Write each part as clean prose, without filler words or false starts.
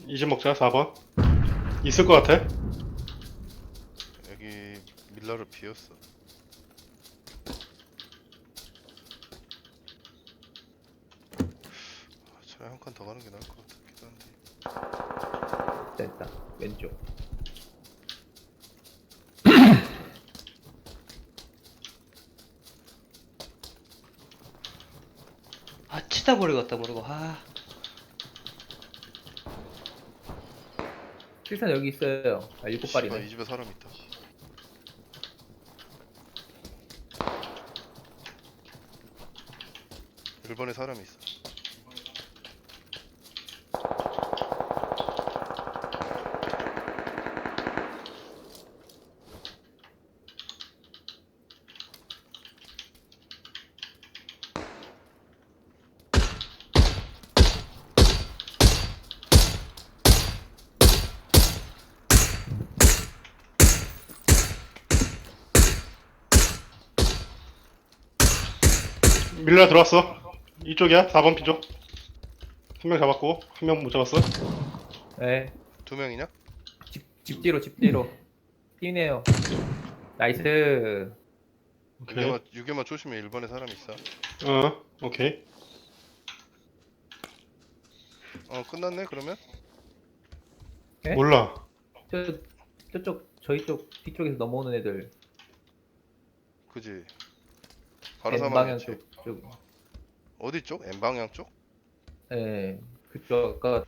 이제 먹자. 4번. 있을 것 같아. 여기 밀라로 비었어. 차라리 한 칸 더 가는 게 나을 것 같기도 한데. 됐다. 왼쪽. 아 치다 버리고 갔다 모르고 실산 여기 있어요. 아, 일곱 씨발, 발이네. 이 집에 사람 있다. 일본에 사람이 있어. 밀라 들어왔어. 이쪽이야. 4번 피죠. 한 명 잡았고 한 명 못 잡았어. 네. 두 명이냐? 집 뒤로, 집 뒤로. 뛰네요. 나이스. 오케이. 유개만 조심해. 일본에 사람이 있어. 오케이. 끝났네 그러면? 네? 몰라. 저쪽, 저희 쪽, 뒤쪽에서 넘어오는 애들. 그지. 바로 N방향 사망했지. 쪽. 어디 쪽? N방향 쪽? 예. 그쪽, 아까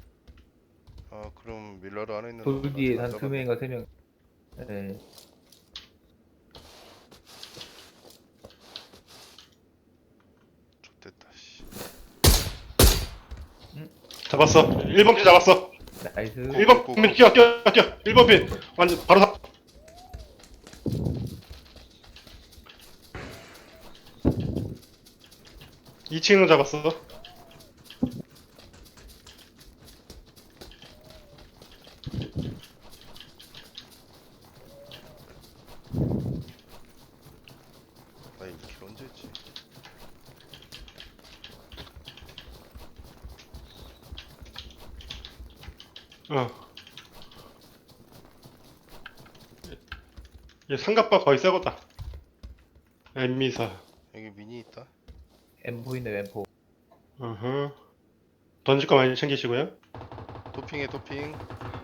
그럼 밀라로 안에 있는 돌 놈은 뒤에 아직 안 한 두 잡았네. 명인가 세 명. 예. 좋됐다 씨. 잡았어. 1번 피 잡았어. 나이스. 1번 피 뛰어. 1번 피 완전 바로 사. 이 2층은 잡았어. 나 1킬 언제 했지? 얘 삼각바 거의 새거다. 엠미사. 여기 미니 있다. M4이네, M4. 던질 거 많이 챙기시고요. 도핑해 도핑.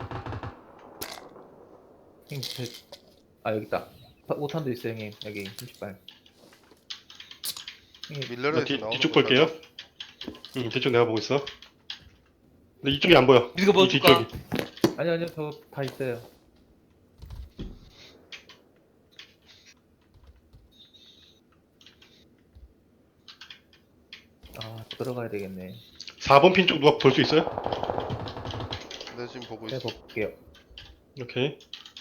형님, 여기 있다. 5탄도 있어요, 형님. 여기, 30발. 형님, 밀라로에서 뒤- 나오는 뒤쪽 거 볼게요. 맞아? 뒤쪽 내가 보고 있어. 근데 이쪽이 안 보여. 이거 뭐 이 줄까? 뒤쪽이. 아니요, 저 다 있어요. 들어가야 되겠네. 4번 핀 쪽 누가 볼 수 있어요? 내가 지금 보고 제가 있어. 볼게요. 오케이.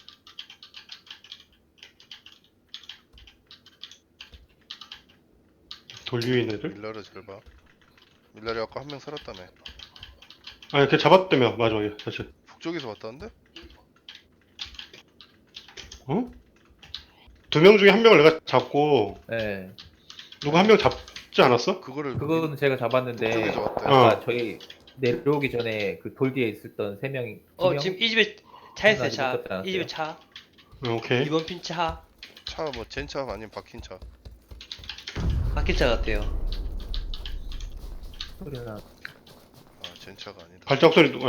돌 위에 있는 애들? 밀라로 잘 봐. 밀라리 아까 한 명 살았다며. 아니 걔 잡았다며 마지막에 사실. 북쪽에서 왔다는데? 어? 2명 중에 한 명을 내가 잡고 네. 누구 한 명 잡지 않았어? 그거를 그거는 제가 잡았는데, 북쪽에서 왔대. 아까 저희 내려오기 전에 그 돌 뒤에 있었던 세 명이. 두 명? 지금 이 집에 차 있어요. 아직 못 잡지 차. 않았어요? 이 집에 차. 오케이. 2번 핀 차. 차 뭐 젠차 아니면 박힌 차. 바뀐 차 같아요. 소리나. 젠차가 아니다. 발작 소리 누가?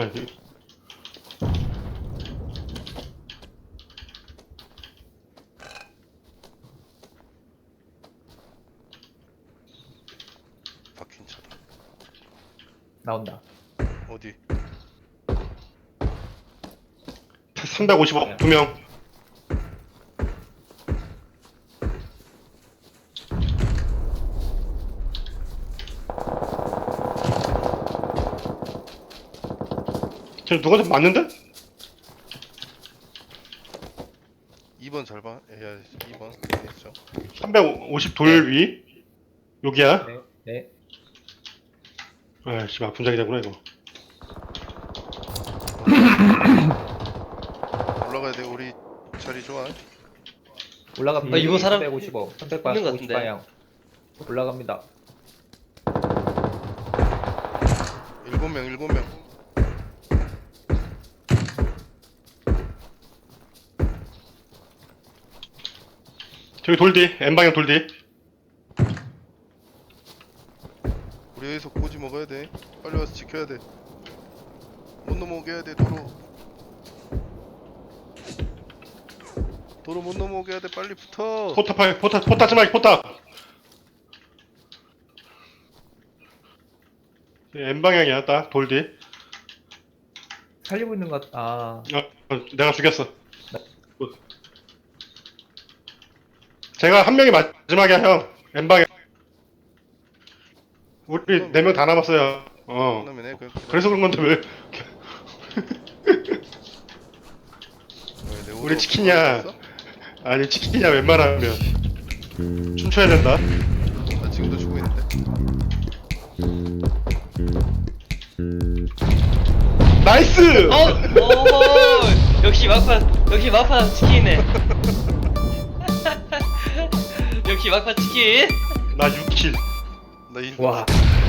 박힌 차다. 나온다. 어디? 355 2명. 쟤 누가 좀 맞는데? 2번 잘 봐. 야 2번. 됐죠. 350 돌 위. 여기야. 네, 네. 아이씨, 분장이 되구나 이거. 올라가야 돼. 우리 자리 좋아. 올라갑니다. 이번 사람 355, 있는 것 350 같은데. 방향. 올라갑니다. 7명. 저기 돌뒤 N방향 돌뒤. 우리 여기서 고지 먹어야 돼. 빨리 와서 지켜야 돼. 못 넘어오게 해야 돼. 도로 못 넘어오게 해야 돼. 빨리 붙어. 포탑 하지 마. 포탑. N방향이야 딱 돌뒤. 살리고 있는 것 같... 아 내가 죽였어. 제가 한 명이 마지막이야 형. N방향. 우리 4명 다 남았어요. 그다음에 그냥 그래서 그런 건데 왜? 왜, 내 우리 오토 치킨이야. 없어? 아니 치킨이야 웬만하면 춤춰야 된다. 나 지금도 주고 있는데. 나이스! 오, 역시 막판 치킨이네. 역시 막판 치킨. 나 6킬. 나 인. 와